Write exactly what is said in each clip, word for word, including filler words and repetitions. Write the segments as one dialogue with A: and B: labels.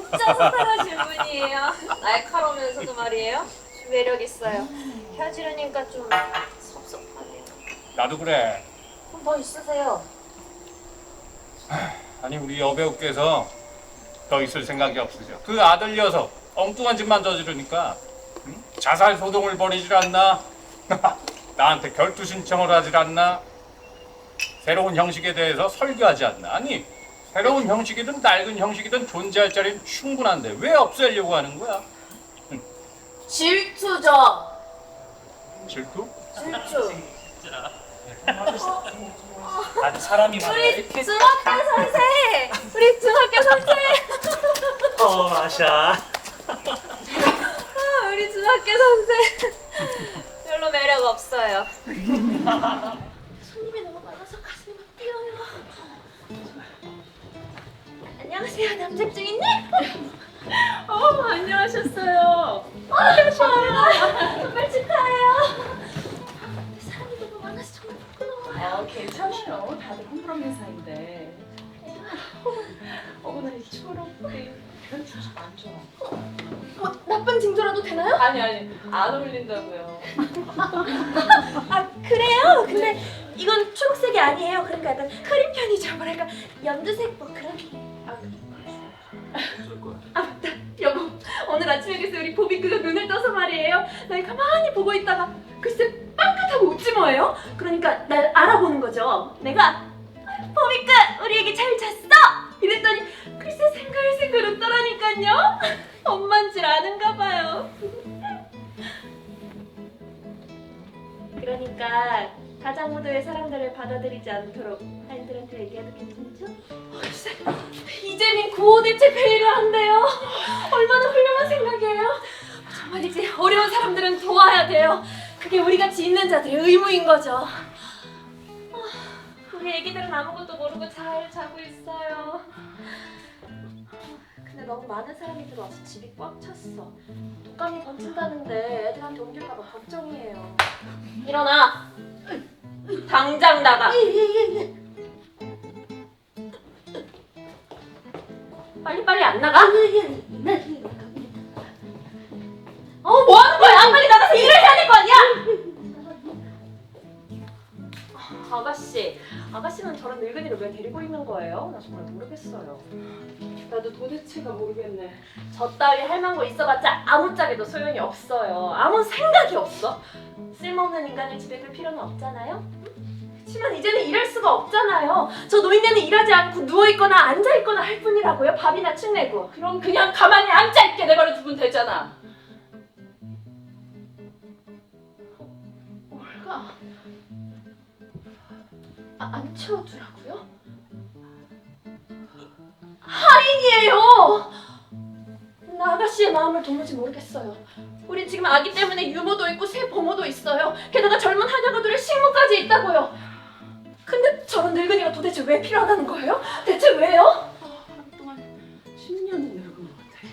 A: 진짜 상당하신 분이에요. 날카로우면서도 말이에요. 매력 있어요. 헤어지려니까 좀 섭섭하네요.
B: 나도 그래.
A: 그럼 뭐 있으세요?
B: 아니 우리 여배우께서 더 있을 생각이 없으셔. 그 아들 녀석 엉뚱한 짓만 저지르니까 응? 자살 소동을 벌이질 않나? 나한테 결투 신청을 하질 않나? 새로운 형식에 대해서 설교하지 않나? 아니 새로운 형식이든 낡은 형식이든 존재할 자리는 충분한데 왜 없애려고 하는 거야?
A: 질투죠.
B: 질투?
A: 질투.
C: 아주 사람이 많아.
A: 우리 중학교 선생! 우리 중학교 선생!
C: 어, 마샤.
A: 아, 우리 중학교 선생! 별로 매력 없어요. 손님이 너무 많아서 가슴이 막 뛰어요. 안녕하세요, 남작중이님?
D: 어, 안녕하셨어요.
A: 아, 감사합니다. 정말 축하해요. 사람이 너무 많아서 정말 부끄러워요.
D: 아, 괜찮아요. 다들 홈그런 회사인데. 어머나, 이 초록빛 그런 주식 안 좋아.
A: 뭐, 나쁜 징조라도 되나요?
D: 아니, 아니, 안 어울린다고요.
A: 아, 그래요? 근데 이건 초록색이 아니에요. 그러니까 약간 흐린 편이죠. 뭐랄까, 연두색 뭐 그런. 아, 아 맞다. 여보, 오늘 아침에 글쎄 우리 보비크가 눈을 떠서 말이에요. 날 가만히 보고 있다가 글쎄 빵긋하고 웃지 뭐예요? 그러니까 날 알아보는 거죠. 내가 보비크 우리 애기 잘 잤어? 이랬더니 글쎄 생글생글 웃더라니까요. 엄만 줄 아는가 봐요. 그러니까 가장무도의 사람들을 받아들이지 않도록 아이들한테 얘기해도 괜찮죠? 글쎄 이재민 구호 대책 회의를 한대요. 얼마나 훌륭한 생각이에요. 정말이지 어려운 사람들은 도와야 돼요. 그게 우리같이 있는 자들의 의무인 거죠. 우리 애기들은 아무것도 모르고 잘 자고 있어요. 근데 너무 많은 사람이 들어와서 집이 꽉 찼어. 독감이 번진다는데 애들한테 옮길까봐 걱정이에요. 일어나! 당장 나가! 빨리빨리 안 나가? 어, 뭐 하는 거야? 빨리 나가서 일을 해야 될 거 아니야? 아가씨, 아가씨는 저런 늙은이를 왜 데리고 있는 거예요? 나 정말 모르겠어요.
D: 나도 도대체가 모르겠네.
A: 저 따위 할망구 있어봤자 아무짝에도 소용이 없어요. 아무 생각이 없어. 쓸모없는 인간을 집에 둘 필요는 없잖아요? 그렇지만 이제는 일할 수가 없잖아요. 저 노인네는 일하지 않고 누워있거나 앉아있거나 할 뿐이라고요. 밥이나 축내고.
D: 그럼 그냥 가만히 앉아있게 내버려 두면 되잖아.
A: 올가 아, 안 채워주라고요? 할인이에요! 나 아가씨의 마음을 도무지 모르겠어요. 우리 지금 아기 때문에 유모도 있고 새 보모도 있어요. 게다가 젊은 한여가들의 식모까지 있다고요. 근데 저런 늙은이가 도대체 왜 필요하다는 거예요? 대체 왜요?
D: 하루 동안 십 년은 늙은 것 같아.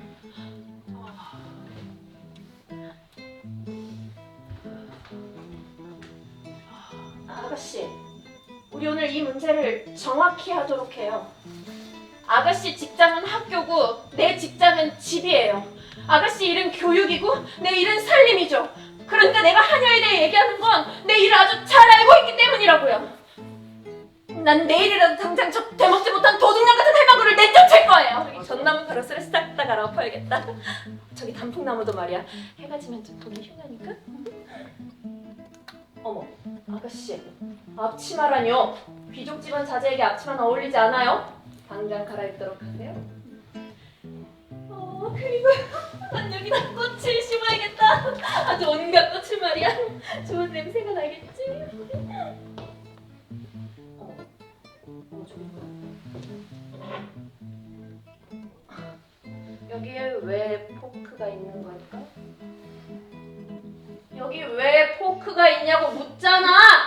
A: 아가씨, 우리 오늘 이 문제를 정확히 하도록 해요. 아가씨 직장은 학교고 내 직장은 집이에요. 아가씨 일은 교육이고 내 일은 살림이죠. 그러니까 내가 한여에 대해 얘기하는 건 내 일을 아주 잘 알고 있기 때문이라고요. 난 내일이라도 당장 저 되먹지 못한 도둑년 같은 할망구를 내쫓을 거예요. 저기 전나무 가로수를 싹 다 갈아엎어야겠다. 저기 단풍나무도 말이야. 해가 지면 좀 보기 흉하니까. 어머, 아가씨, 앞치마라뇨. 귀족 집안 자제에게 앞치마는 어울리지 않아요? 당장 갈아입도록 하세요. 어, 그리고 난 여기다 꽃을 심어야겠다. 아주 온갖 꽃을 말이야. 좋은 냄새가 나겠지? 어머, 어머 저기 뭐야? 여기에 왜 포크가 있는 걸까? 여기 왜 포크가 있냐고 묻잖아!